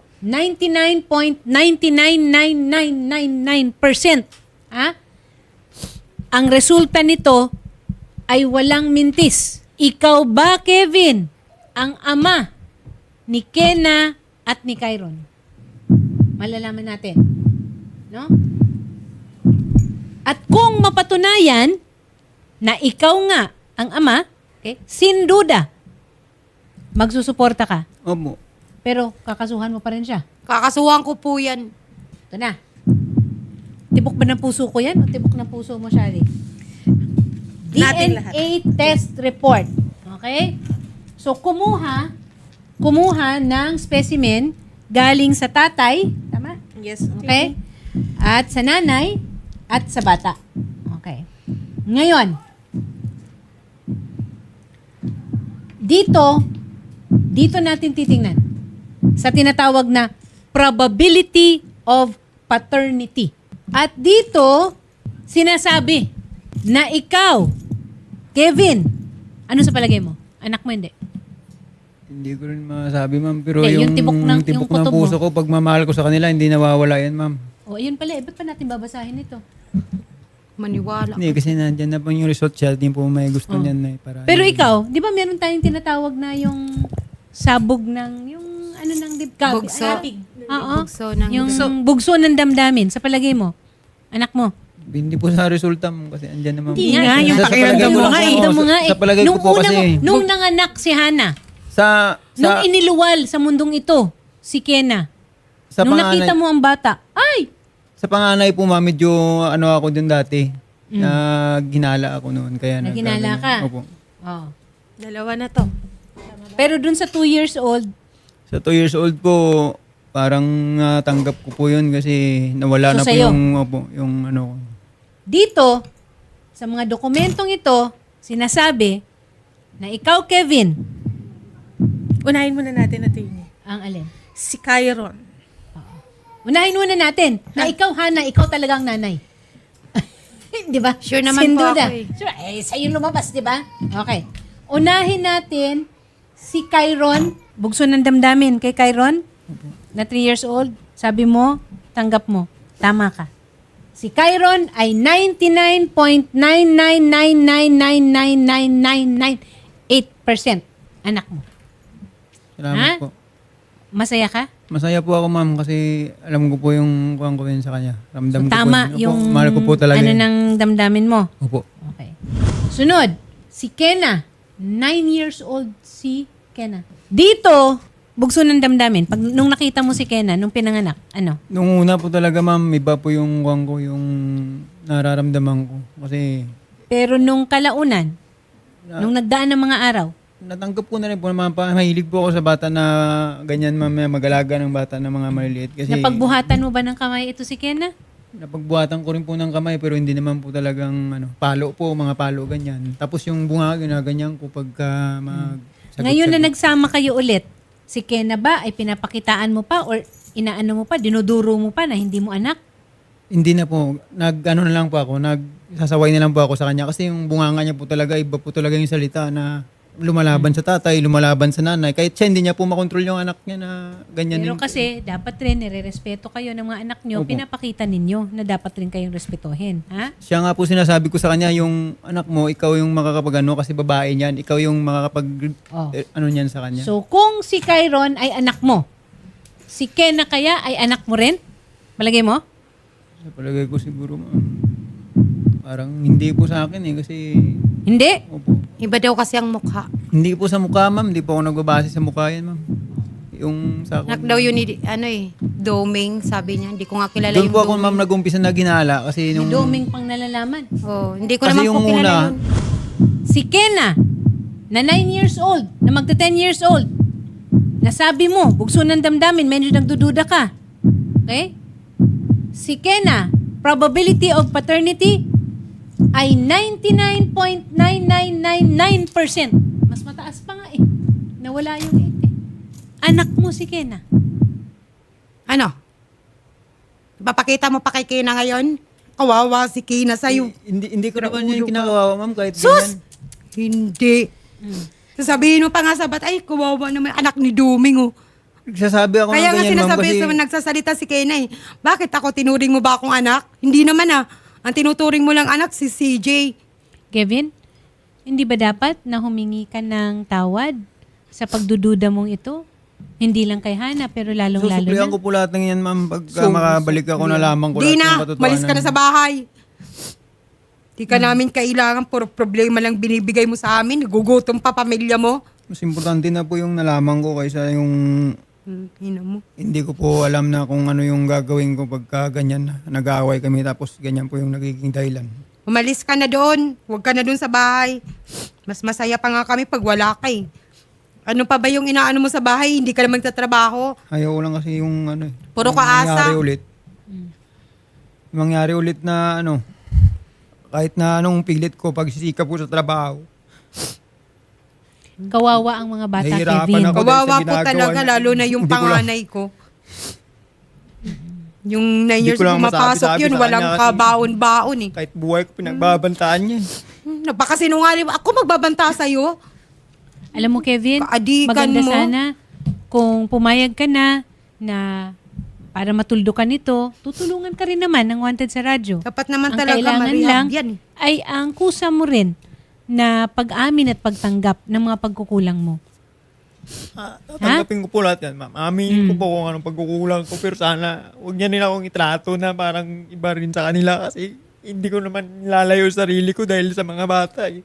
[SPEAKER 1] 99.999999% ha? Ang resulta nito ay walang mintis. Ikaw ba, Kevin, ang ama ni Kena at ni Kyron? Malalaman natin. No? At kung mapatunayan na ikaw nga ang ama, Okay? Sin duda, magsusuporta ka.
[SPEAKER 4] Opo.
[SPEAKER 1] Pero kakasuhan mo pa rin siya.
[SPEAKER 2] Kakasuhan ko po yan.
[SPEAKER 1] Ito na. Tibok ba ng puso ko yan o tibok ng puso mo, Shari?
[SPEAKER 5] Natin lahat.
[SPEAKER 1] DNA test report. Okay? So, kumuha ng specimen galing sa tatay. Tama?
[SPEAKER 5] Yes.
[SPEAKER 1] Okay? At sa nanay at sa bata. Okay. Ngayon, dito natin titingnan sa tinatawag na probability of paternity. At dito, sinasabi na ikaw, Kevin, ano sa palagay mo? Anak mo hindi?
[SPEAKER 4] Hindi ko rin masabi, ma'am. Pero
[SPEAKER 1] Eh,
[SPEAKER 4] yung
[SPEAKER 1] yung tibok ng- yung
[SPEAKER 4] tibok ng
[SPEAKER 1] kutob
[SPEAKER 4] puso
[SPEAKER 1] mo.
[SPEAKER 4] ko, pagmamahal ko sa kanila, hindi nawawala yan, ma'am.
[SPEAKER 1] O, ayun pala. Ba't pa natin babasahin ito?
[SPEAKER 2] Maniwala.
[SPEAKER 4] Hindi, kasi nandyan na po yung result siya. Hindi po may gusto niyan na para.
[SPEAKER 1] Pero ikaw, di ba meron tayong tinatawag na yung sabog ng, yung ano ng dibkag?
[SPEAKER 2] Bugso.
[SPEAKER 1] Oo.
[SPEAKER 2] Bugso ng
[SPEAKER 1] Yung bugso ng damdamin. Sa palagay mo? Anak mo?
[SPEAKER 4] Hindi po sa resulta mo kasi andyan naman.
[SPEAKER 5] Hindi nga, yung
[SPEAKER 4] Sa
[SPEAKER 5] pakiramdam
[SPEAKER 4] palagay
[SPEAKER 5] mo
[SPEAKER 4] lang
[SPEAKER 5] nga
[SPEAKER 4] po,
[SPEAKER 5] eh.
[SPEAKER 1] Pakiramdam mo nga eh.
[SPEAKER 4] Sa palagay ko po kasi.
[SPEAKER 1] Nung nanganak si Hana, nung
[SPEAKER 4] sa
[SPEAKER 1] iniluwal sa mundong ito, si Kena,
[SPEAKER 4] sa
[SPEAKER 1] nung
[SPEAKER 4] panganay,
[SPEAKER 1] nakita mo ang bata, ay!
[SPEAKER 4] sa panganay po, ma'am, medyo ano ako dun dati. Na ginala ako noon. Kaya
[SPEAKER 1] Naginala
[SPEAKER 4] nagkaganyan.
[SPEAKER 1] ka?
[SPEAKER 4] Opo.
[SPEAKER 1] Oh.
[SPEAKER 5] Dalawa na to.
[SPEAKER 1] Pero dun sa 2 years old,
[SPEAKER 4] Sa 2 years old po, parang tanggap ko po yun kasi nawala
[SPEAKER 1] So,
[SPEAKER 4] na po
[SPEAKER 1] sa'yo?
[SPEAKER 4] yung ano ko.
[SPEAKER 1] dito, sa mga dokumentong ito, sinasabi na ikaw, Kevin,
[SPEAKER 5] Unahin muna natin ito yun.
[SPEAKER 1] ang alin?
[SPEAKER 5] Si Kyron.
[SPEAKER 1] Unahin muna natin na ikaw, Hana, ikaw talagang nanay. Di ba?
[SPEAKER 2] Sure naman
[SPEAKER 1] Sin
[SPEAKER 2] po
[SPEAKER 1] duda.
[SPEAKER 2] ako eh.
[SPEAKER 1] Sure, sa'yo lumabas, di ba? Okay. Unahin natin si Kyron, bugso ng damdamin kay Kyron, na 3 years old. Sabi mo, tanggap mo. Tama ka. Si Kyron ay 99.999999998% anak mo.
[SPEAKER 4] Salamat
[SPEAKER 1] Ha?
[SPEAKER 4] po.
[SPEAKER 1] Masaya ka?
[SPEAKER 4] Masaya po ako, ma'am, kasi alam ko po yung kuhan ko yun sa kanya. Ramdam ko
[SPEAKER 1] Tama
[SPEAKER 4] po. Opo,
[SPEAKER 1] yung
[SPEAKER 4] mahal ko po talaga
[SPEAKER 1] ano
[SPEAKER 4] yun.
[SPEAKER 1] ng damdamin mo.
[SPEAKER 4] Opo.
[SPEAKER 1] Okay. Sunod, si Kena. 9 years old si Kena. Dito, bugso ng damdamin. Pag nung nakita mo si Kena, nung pinanganak, ano?
[SPEAKER 4] Nung una po talaga, ma'am, iba po yung kuhan ko, yung nararamdaman ko. Kasi
[SPEAKER 1] Pero nung kalaunan, nung nagdaan ng mga araw,
[SPEAKER 4] natanggap ko na rin po naman pa. Mahilig po ako sa bata na ganyan, ma'am, mag-alaga ng bata na mga maliliit. Kasi
[SPEAKER 1] napagbuhatan mo ba ng kamay ito si Kena?
[SPEAKER 4] napagbuhatan ko rin po ng kamay pero hindi naman po talagang palo po, mga palo ganyan. Tapos yung bunga, ginaganyan ko pagka
[SPEAKER 1] Ngayon na nagsama kayo ulit, si Kena ba ay pinapakitaan mo pa or inaano mo pa, dinuduro mo pa na hindi mo anak?
[SPEAKER 4] Hindi na po. Nag-ano na lang po ako. Nagsasaway na lang po ako sa kanya. Kasi yung bunganga niya po talaga, iba po talaga yung salita na lumalaban sa tatay, lumalaban sa nanay. Kahit siya, hindi niya po makontrol yung anak niya na ganyan.
[SPEAKER 1] Pero kasi dapat rin nire-respeto kayo ng mga anak nyo,
[SPEAKER 4] Opo.
[SPEAKER 1] pinapakita ninyo na dapat rin kayong respetuhin. Ha?
[SPEAKER 4] Siya nga po sinasabi ko sa kanya, yung anak mo, ikaw yung makakapag-ano kasi babae niyan. Ikaw yung makakapag
[SPEAKER 1] Oh.
[SPEAKER 4] ano niyan sa kanya.
[SPEAKER 1] So kung si Kyron ay anak mo, si Kena kaya ay anak mo rin? Malagay mo?
[SPEAKER 4] Sa palagay ko siguro, ma'am, parang hindi po sa akin kasi,
[SPEAKER 1] Hindi.
[SPEAKER 4] opo.
[SPEAKER 2] Iba daw kasi ang mukha.
[SPEAKER 4] Hindi po sa mukha, ma'am. Hindi po ako nagbabase sa mukha yan, ma'am. Yung sa
[SPEAKER 2] Anak daw yun ni, Doming, sabi niya. Hindi ko nga kilala
[SPEAKER 4] Doon
[SPEAKER 2] yung
[SPEAKER 4] po ako,
[SPEAKER 2] Doming.
[SPEAKER 4] ma'am, nag-umpisa na ginala kasi
[SPEAKER 1] Ni
[SPEAKER 4] nung...
[SPEAKER 1] Doming pang nalalaman.
[SPEAKER 2] Oh, hindi ko
[SPEAKER 4] Kasi
[SPEAKER 2] naman
[SPEAKER 4] yung
[SPEAKER 2] po kilala
[SPEAKER 4] una-
[SPEAKER 2] yun.
[SPEAKER 1] Si Kena, na 9 years old, na magta 10 years old, nasabi mo, bugso ng damdamin, medyo nagdududa ka. Okay? Si Kena, probability of paternity ay 99.9999%. Mas mataas pa nga eh. Nawala yung 8 eh. Anak mo si Kena.
[SPEAKER 2] Ano? Papakita mo pa kay Kina ngayon? Kawawa si Kina sa'yo.
[SPEAKER 4] Hindi ko naman yun kinakawawa, ma'am, kahit
[SPEAKER 2] Sus!
[SPEAKER 4] ganyan.
[SPEAKER 2] Hindi. Sasabihin mo pa nga sa bata, ay, kawawa naman anak ni Doming, oh.
[SPEAKER 4] Nagsasabi ako
[SPEAKER 2] Kaya
[SPEAKER 4] ng
[SPEAKER 2] nga
[SPEAKER 4] ganyan, ma'am,
[SPEAKER 2] sinasabi
[SPEAKER 4] kasi...
[SPEAKER 2] sa nagsasalita si Kena eh, bakit ako tinuring mo ba akong anak? Hindi naman ah. Ang tinuturing mo lang anak si CJ.
[SPEAKER 1] Kevin, hindi ba dapat na humingi ka ng tawad sa pagdududa mong ito? Hindi lang kay Hana, pero lalong-lalo
[SPEAKER 4] Susuklihan
[SPEAKER 1] na.
[SPEAKER 4] ko po lahat ng yan, ma'am, pagka makabalik ako na lamang ko
[SPEAKER 2] Di
[SPEAKER 4] lahat ng
[SPEAKER 2] na,
[SPEAKER 4] katotohanan.
[SPEAKER 2] malis ka na sa bahay. Di ka namin kailangan, puro problema lang binibigay mo sa amin. Gugutom pa pamilya mo.
[SPEAKER 4] Mas importante na po yung nalaman ko kaysa yung
[SPEAKER 2] Hina mo.
[SPEAKER 4] hindi ko po alam na kung ano yung gagawin ko pagka ganyan na nag-aaway kami tapos ganyan po yung nagiging dahilan.
[SPEAKER 2] Umalis ka na doon. Huwag ka na doon sa bahay. Mas masaya pa nga kami pag wala ka eh. Ano pa ba yung inaano mo sa bahay? Hindi ka na magtatrabaho.
[SPEAKER 4] Ayaw ko lang kasi yung ano eh.
[SPEAKER 2] Puro
[SPEAKER 4] yung
[SPEAKER 2] kaasa.
[SPEAKER 4] mangyari ulit. Mangyari ulit na ano, kahit na anong pilit ko pagsisikap ko sa trabaho.
[SPEAKER 1] Kawawa ang mga bata,
[SPEAKER 4] Nahihirapan
[SPEAKER 1] Kevin.
[SPEAKER 4] ako.
[SPEAKER 2] Kawawa
[SPEAKER 4] sa
[SPEAKER 2] po
[SPEAKER 4] ginagawa
[SPEAKER 2] talaga,
[SPEAKER 4] niya.
[SPEAKER 2] lalo na yung
[SPEAKER 4] Hindi ko lang-
[SPEAKER 2] panganay ko. Yung 9
[SPEAKER 4] Hindi
[SPEAKER 2] years
[SPEAKER 4] ko lang
[SPEAKER 2] pumapasok
[SPEAKER 4] masabi-sabi
[SPEAKER 2] yun,
[SPEAKER 4] sa
[SPEAKER 2] walang
[SPEAKER 4] kanya kasi-
[SPEAKER 2] kabaon-baon eh.
[SPEAKER 4] Kahit buhay ko pinagbabantaan niya.
[SPEAKER 2] Napakasinungaling. Ako magbabanta sa'yo.
[SPEAKER 1] Alam mo, Kevin,
[SPEAKER 2] Kaadikan
[SPEAKER 1] maganda
[SPEAKER 2] mo.
[SPEAKER 1] sana kung pumayag ka na para matuldukan nito, tutulungan ka rin naman ng Wanted sa radyo.
[SPEAKER 2] Dapat naman
[SPEAKER 1] Ang
[SPEAKER 2] talaga
[SPEAKER 1] kailangan
[SPEAKER 2] marehab
[SPEAKER 1] lang
[SPEAKER 2] yan eh.
[SPEAKER 1] ay ang kusa mo rin na pag-amin at pagtanggap ng mga pagkukulang mo.
[SPEAKER 4] Tatanggapin ko po lahat yan, ma'am. Aminin ko po kung anong pagkukulang ko. Pero sana, huwag niya nila akong itrato na parang iba rin sa kanila kasi hindi ko naman nilalayo sarili ko dahil sa mga bata eh.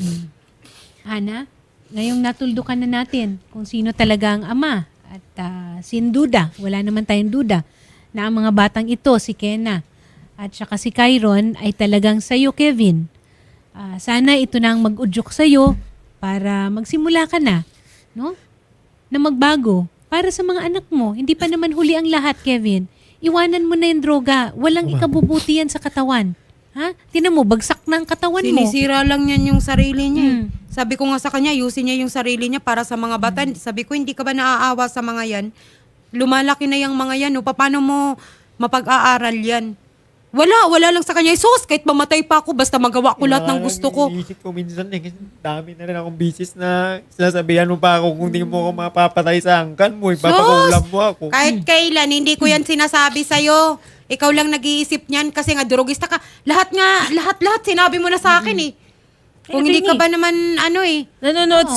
[SPEAKER 1] Ana, ngayong natuldukan na natin kung sino talaga ang ama at sin duda, wala naman tayong duda na ang mga batang ito, si Kena at saka si Kyron ay talagang sa'yo, Kevin. Sana ito na ang mag-udyok sa'yo para magsimula ka na, no? Na magbago para sa mga anak mo. Hindi pa naman huli ang lahat, Kevin. Iwanan mo na yung droga. Walang ikabubuti yan sa katawan. Ha? Tinan mo, bagsak na ang katawan mo.
[SPEAKER 2] Sinisira lang niyan yung sarili niya. eh.
[SPEAKER 1] Mm.
[SPEAKER 2] Sabi ko nga sa kanya, ayusin niya yung sarili niya para sa mga bata. Sabi ko, hindi ka ba naaawa sa mga yan? Lumalaki na yung mga yan. O, paano mo mapag-aaral yan? Wala lang sa kanya. Sus, kahit mamatay pa ako, basta magawa ko lahat ng gusto ko.
[SPEAKER 4] Iisip ko minsan eh, kasi dami na rin akong bisis na sinasabihan mo pa ako kung hindi mo ako mapapatay sa angkan mo, ipapakulam mo ako.
[SPEAKER 2] Kahit kailan, hindi ko yan sinasabi sa'yo. Ikaw lang nag-iisip niyan kasi nga drogista ka. Lahat sinabi mo na sa akin eh. Kung hindi ka ba naman
[SPEAKER 5] Nanonood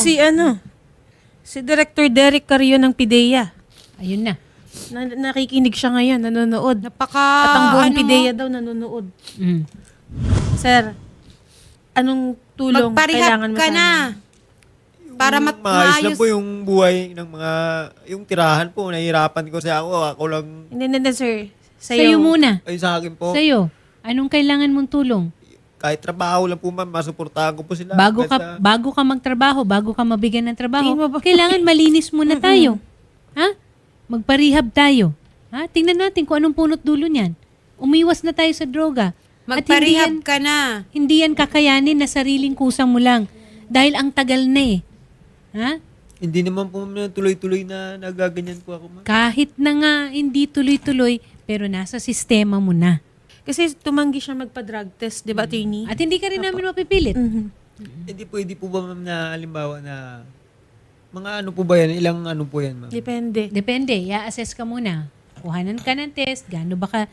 [SPEAKER 5] si Director Derek Carrio ng PIDEA.
[SPEAKER 1] Ayun na.
[SPEAKER 5] Nakikinig siya ngayon, nanonood.
[SPEAKER 2] napaka...
[SPEAKER 5] At ang buong
[SPEAKER 2] ano mo,
[SPEAKER 5] PIDEA daw nanonood.
[SPEAKER 1] Mm.
[SPEAKER 5] Sir, anong tulong
[SPEAKER 2] magparehab
[SPEAKER 5] kailangan mo
[SPEAKER 2] ka
[SPEAKER 5] sana?
[SPEAKER 2] na. Para
[SPEAKER 4] maayos
[SPEAKER 2] maayos.
[SPEAKER 4] lang po yung buhay ng mga, yung tirahan po, nahihirapan ko sa ako lang,
[SPEAKER 5] Hindi, sir.
[SPEAKER 1] Sa'yo muna.
[SPEAKER 4] ay sa akin po,
[SPEAKER 1] Sa'yo. Anong kailangan mong tulong?
[SPEAKER 4] kahit trabaho lang po ma'am, masuportahan ko po sila.
[SPEAKER 1] Bago ka magtrabaho, bago ka mabigyan ng trabaho,
[SPEAKER 5] Tingin mo ba-
[SPEAKER 1] kailangan malinis muna tayo. Ha? Magparehab tayo. Ha? Tingnan natin kung anong punot dulo niyan. Umiwas na tayo sa droga. At
[SPEAKER 2] Magparehab ka na.
[SPEAKER 1] hindi yan kakayanin na sariling kusang mo lang. Dahil ang tagal na eh. Ha?
[SPEAKER 4] Hindi naman po ma'am, tuloy-tuloy na nagaganyan po ako ma'am.
[SPEAKER 1] Kahit na nga hindi tuloy-tuloy, pero nasa sistema mo na.
[SPEAKER 5] Kasi tumanggi siya magpa-drug test, di ba, attorney?
[SPEAKER 1] At hindi ka rin namin mapipilit.
[SPEAKER 4] Hindi pwede po ba ma'am na halimbawa na mga ano po ba yan? Ilang ano po yan ma'am?
[SPEAKER 5] Depende.
[SPEAKER 1] Depende, i-assess ka muna. Kuhanan ka ng test, gaano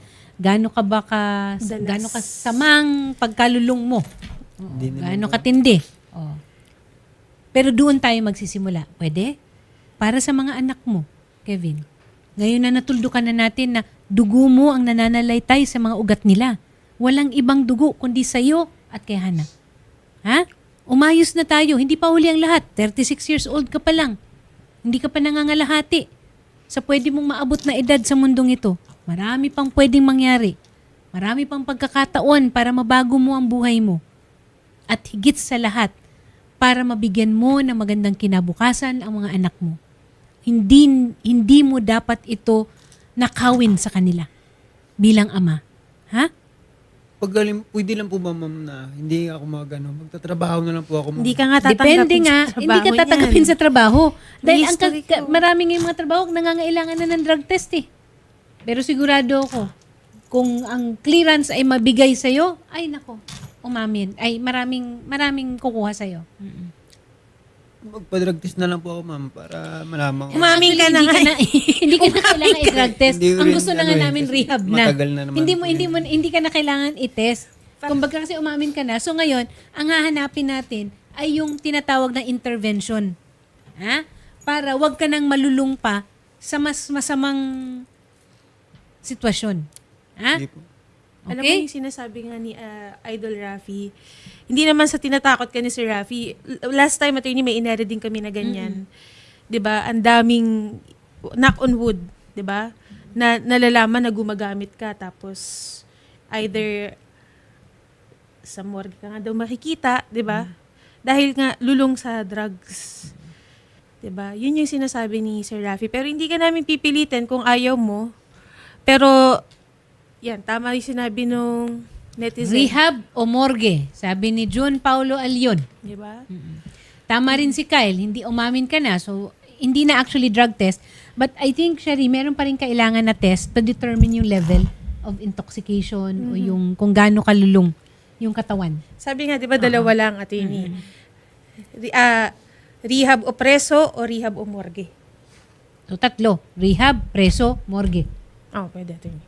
[SPEAKER 1] ka samang pagkalulong mo. Oo,
[SPEAKER 4] Hindi naman
[SPEAKER 1] gaano katindi. Oo. Pero doon tayo magsisimula. Pwede? Para sa mga anak mo, Kevin. Ngayon na natuldukan na natin na dugo mo ang nananalaytay sa mga ugat nila. Walang ibang dugo kundi sa'yo at kay Hana. Ha? Umayos na tayo. Hindi pa huli ang lahat. 36 years old ka pa lang. Hindi ka pa nangangalahati sa pwede mong maabot na edad sa mundong ito. Marami pang pwedeng mangyari. Marami pang pagkakataon para mabago mo ang buhay mo. At higit sa lahat, para mabigyan mo ng magandang kinabukasan ang mga anak mo. Hindi mo dapat ito nakawin sa kanila bilang ama. Ha?
[SPEAKER 4] Pwede lang po ba ma'am na hindi ako magtatrabaho na lang po ako ma'am.
[SPEAKER 5] Hindi ka nga tatanggapin
[SPEAKER 1] Depende nga,
[SPEAKER 5] sa
[SPEAKER 1] hindi ka
[SPEAKER 5] trabaho
[SPEAKER 1] tatanggapin
[SPEAKER 5] niyan.
[SPEAKER 1] sa trabaho. Dahil ang
[SPEAKER 5] history ko.
[SPEAKER 1] marami ngayong mga trabaho nangangailangan na ng drug test eh. Pero sigurado ako, kung ang clearance ay mabigay sa'yo, ay nako, umamin. Ay maraming kukuha sa'yo.
[SPEAKER 4] Magpa-drug test na lang po ako ma'am para malaman ko.
[SPEAKER 5] Umamin ka na nga.
[SPEAKER 1] Hindi ka na kailangan i-drug test.
[SPEAKER 4] Hindi ko
[SPEAKER 1] Ang
[SPEAKER 4] rin,
[SPEAKER 1] gusto na
[SPEAKER 4] ano
[SPEAKER 1] nga
[SPEAKER 4] eh,
[SPEAKER 1] namin
[SPEAKER 4] kasi
[SPEAKER 1] rehab na.
[SPEAKER 4] matagal na naman po
[SPEAKER 1] Hindi ka na kailangan i-test. Kumbaga kasi umamin ka na. So ngayon, ang hahanapin natin ay yung tinatawag na intervention. Ha? Para wag ka nang malulung pa sa mas masamang sitwasyon. Ha?
[SPEAKER 4] Hindi po.
[SPEAKER 5] Alam mo
[SPEAKER 1] Okay?
[SPEAKER 5] yung sinasabi nga ni Idol Rafi, hindi naman sa tinatakot ka ni Sir Rafi. Last time, attorney, may inere din kami na ganyan. 'Di ba? Ang daming knock on wood, 'di ba? Na nalalaman na gumagamit ka tapos either sa morgue ka nga daw makikita, 'di ba? Dahil nga lulong sa drugs. 'Di ba? Yun yung sinasabi ni Sir Rafi. Pero hindi ka namin pipilitin kung ayaw mo. Pero yan, tama yung sinabi nung netizen.
[SPEAKER 1] Rehab o morgue? Sabi ni June Paulo Alion.
[SPEAKER 5] 'Di ba?
[SPEAKER 1] Tama rin si Kyle, hindi umamin ka na. So, hindi na actually drug test. But I think, Shari, meron pa rin kailangan na test to determine yung level of intoxication o yung kung gaano kalulong yung katawan.
[SPEAKER 5] Sabi nga, 'di ba, dalawa lang, attorney. Rehab o preso o rehab o morgue.
[SPEAKER 1] So, 3. Rehab, preso, morgue.
[SPEAKER 5] Oh, pwede, attorney.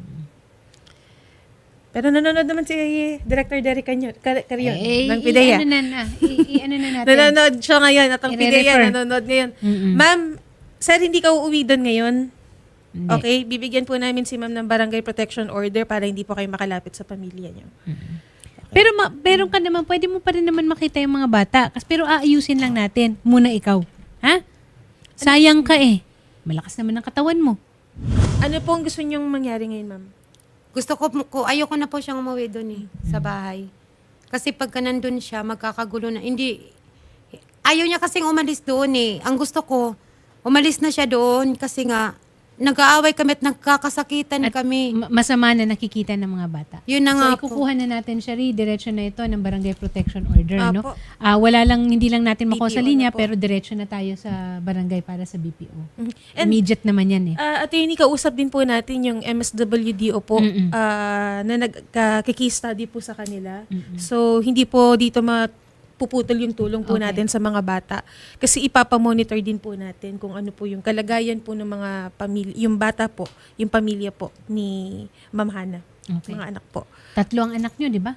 [SPEAKER 5] Pero nanonood naman si Director Derek Carion ng PIDEA.
[SPEAKER 1] Ano na natin.
[SPEAKER 5] Nanonood siya ngayon at ang PIDEA
[SPEAKER 1] I-refer.
[SPEAKER 5] nanonood ngayon. Ma'am, sir, hindi ka uuwi doon ngayon?
[SPEAKER 1] Hindi.
[SPEAKER 5] Okay, bibigyan po namin si ma'am ng barangay protection order para hindi po kayo makalapit sa pamilya niyo.
[SPEAKER 1] Pero meron ka naman, pwede mo pa rin naman makita yung mga bata. Pero aayusin lang natin. Muna ikaw. Ha? Sayang ka eh. Malakas naman ang katawan mo.
[SPEAKER 5] Ano po ang gusto niyong mangyari ngayon, ma'am?
[SPEAKER 2] Gusto ko, ayoko na po siyang umuwi doon sa bahay. Kasi pagka nandun siya, magkakagulo na. Hindi, ayaw niya kasing umalis doon eh. Ang gusto ko, umalis na siya doon kasi nga, nag-aaway kami at nagkakasakitan kami.
[SPEAKER 1] Masama na nakikita ng mga bata.
[SPEAKER 2] Yun na nga
[SPEAKER 1] So,
[SPEAKER 2] po.
[SPEAKER 1] ikukuha na natin, Shari, diretso na ito ng Barangay Protection Order. No?
[SPEAKER 5] Apo.
[SPEAKER 1] Wala lang, hindi lang natin makuha sa
[SPEAKER 5] BPO
[SPEAKER 1] linya,
[SPEAKER 5] na po.
[SPEAKER 1] pero diretso na tayo sa barangay para sa BPO.
[SPEAKER 5] And
[SPEAKER 1] Immediate naman yan eh.
[SPEAKER 5] attorney, kausap din po natin yung MSWDO po na nagka-case study po sa kanila. So, hindi po dito puputol yung tulong po natin sa mga bata. Kasi ipapamonitor din po natin kung ano po yung kalagayan po ng mga pamilya, yung bata po, yung pamilya po ni Ma'am Hana.
[SPEAKER 1] Okay.
[SPEAKER 5] Mga anak po.
[SPEAKER 1] 3 ang anak nyo, di ba?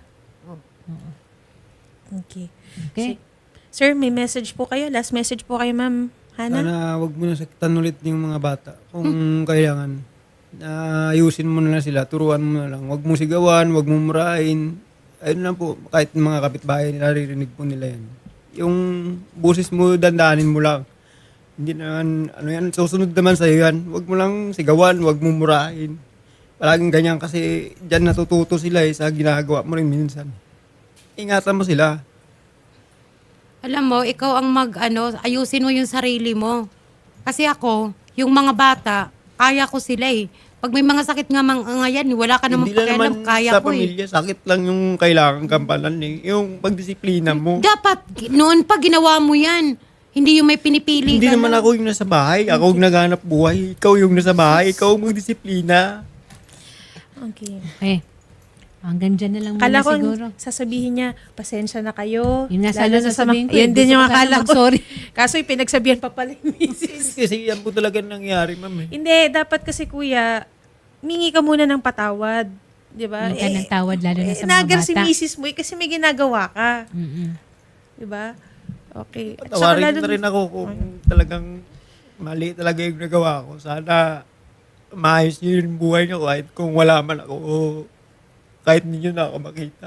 [SPEAKER 5] Okay.
[SPEAKER 1] Okay.
[SPEAKER 5] Sir, may message po kayo? Last message po kayo, Ma'am Hana?
[SPEAKER 4] Sana wag mo na saktan ulit yung mga bata. Kung kailangan, ayusin mo na lang sila, turuan mo na lang. Wag mo sigawan, wag mo murahin. Ayun lang po, kahit mga kapitbahay, naririnig po nila yan. Yung busis mo, dandaanin mo lang. Hindi naman, susunod naman sa'yo yan. Wag mo lang sigawan, wag mo murahin. Palaging ganyan kasi dyan natututo sila sa ginagawa mo rin minsan. Ingatan mo sila.
[SPEAKER 2] Alam mo, ikaw ang ayusin mo yung sarili mo. Kasi ako, yung mga bata, kaya ko sila eh. Pag may mga sakit nga ngayon, wala ka namang
[SPEAKER 4] Hindi na
[SPEAKER 2] pakialam,
[SPEAKER 4] naman
[SPEAKER 2] kaya
[SPEAKER 4] sa
[SPEAKER 2] ko eh.
[SPEAKER 4] pamilya, sakit lang yung kailangan kampanan eh. Yung pagdisiplina mo.
[SPEAKER 2] Dapat, noon pa ginawa mo yan. Hindi yung may pinipili
[SPEAKER 4] Hindi
[SPEAKER 2] ka
[SPEAKER 4] naman
[SPEAKER 2] lang.
[SPEAKER 4] ako yung nasa bahay. Ako yung naghanap buhay. Ikaw yung nasa bahay. Ikaw ang magdisiplina.
[SPEAKER 5] Okay.
[SPEAKER 1] Okay. Hanggang dyan na lang muna
[SPEAKER 5] Akala ko
[SPEAKER 1] siguro.
[SPEAKER 5] sasabihin niya, pasensya na kayo.
[SPEAKER 1] Yun nga
[SPEAKER 5] Lalo
[SPEAKER 1] sana
[SPEAKER 5] na sa
[SPEAKER 1] sasabihin ko.
[SPEAKER 5] Yan din
[SPEAKER 1] Gusto
[SPEAKER 5] yung
[SPEAKER 1] ko sana
[SPEAKER 5] akala ko.
[SPEAKER 1] mag-sorry.
[SPEAKER 5] Kaso pinagsabihan pa pala yung misis.
[SPEAKER 4] Kasi yan po talaga nangyari, ma'am eh.
[SPEAKER 5] Hindi, dapat kasi kuya, mingi ka muna ng patawad. Di ba?
[SPEAKER 1] Huwag ka ng tawad, lalo na sa mga
[SPEAKER 5] nagar si
[SPEAKER 1] bata.
[SPEAKER 5] misis mo kasi may ginagawa ka.
[SPEAKER 1] Mm-mm.
[SPEAKER 5] Di ba? Okay. At saka
[SPEAKER 4] Patawarin
[SPEAKER 5] lalo
[SPEAKER 4] na rin ako kung talagang mali talaga yung nagawa ko. Sana maayos nyo yung buhay nyo kahit kung wala man ako o kahit hindi nyo na ako makita.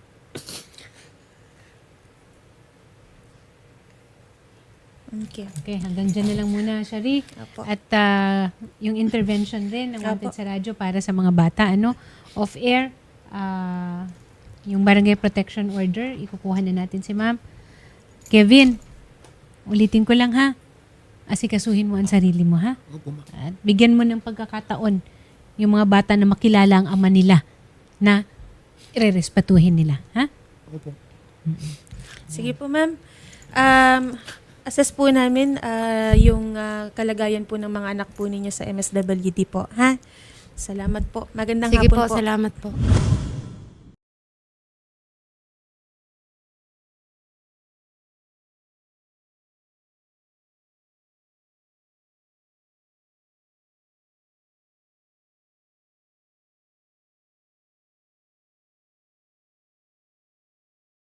[SPEAKER 5] Okay.
[SPEAKER 1] Okay, hanggang dyan na lang muna, Shari.
[SPEAKER 5] Apo.
[SPEAKER 1] At yung intervention din ng Wanted
[SPEAKER 5] Apo.
[SPEAKER 1] sa radyo para sa mga bata, off-air, yung Barangay Protection Order, ikukuha na natin si Ma'am. Kevin, ulitin ko lang ha, asikasuhin mo ang sarili mo ha.
[SPEAKER 4] Opo, ma'am.
[SPEAKER 1] At bigyan mo ng pagkakataon yung mga bata na makilala ang ama nila na irerespatuhin nila. Ha?
[SPEAKER 4] Opo.
[SPEAKER 5] Sige po, ma'am. Assess po namin yung kalagayan po ng mga anak po ninyo sa MSWD po. Ha? Salamat po. Magandang
[SPEAKER 2] Sige
[SPEAKER 5] hapon
[SPEAKER 2] po, salamat po.